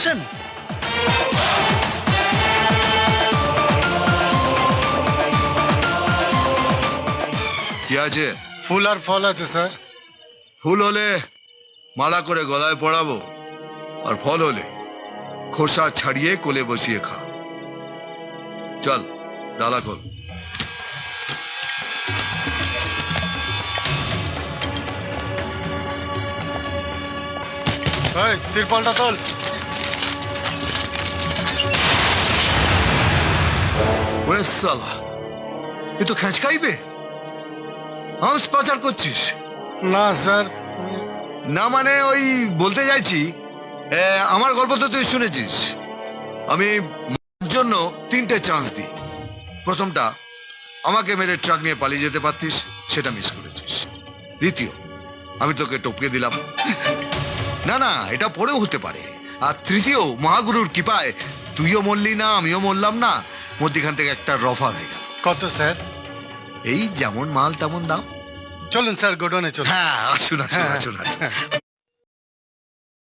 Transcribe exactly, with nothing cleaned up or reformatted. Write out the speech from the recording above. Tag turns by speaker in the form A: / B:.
A: হোসেন?
B: কি আছে?
C: ফুল আর ফল আছে স্যার।
B: ফুল হলে মালা করে গলায় পরাবো, আর ফল হলে খোসা ছাড়িয়ে কোলে বসিয়ে খাও। চল ডালা খোল।
C: ওই তিরপলটা তোল।
B: ওরে সালা, এ তো খেঁচকাইবে। হাঁস পাচার করছিস?
C: না স্যার।
B: না মানে ওই বলতে চাইছি, এ, আমার গল্প তো তুই শুনেছিস। আমি মারার জন্য তিনটে চান্স দিই। প্রথমটা, আমাকে মেরে ট্রাক নিয়ে পালিয়ে যেতে পারতিস, সেটা মিস করেছিস। দ্বিতীয়, আমি তোকে টপকে দিলাম, না না এটা পরেও হতে পারে। আর তৃতীয়, মহাগুরুর কৃপায় তুইও মরলি না, আমিও মরলাম না, মধ্যখান থেকে একটা রফা হয়ে গেল।
C: কত স্যার?
B: এই যেমন মাল তেমন দাম।
C: চলুন স্যার, গোডাউনে চলুন।
B: হ্যাঁ আসুন আসুন
C: হ্যাঁ,
B: আসুন আসুন।
C: হ্যাঁ।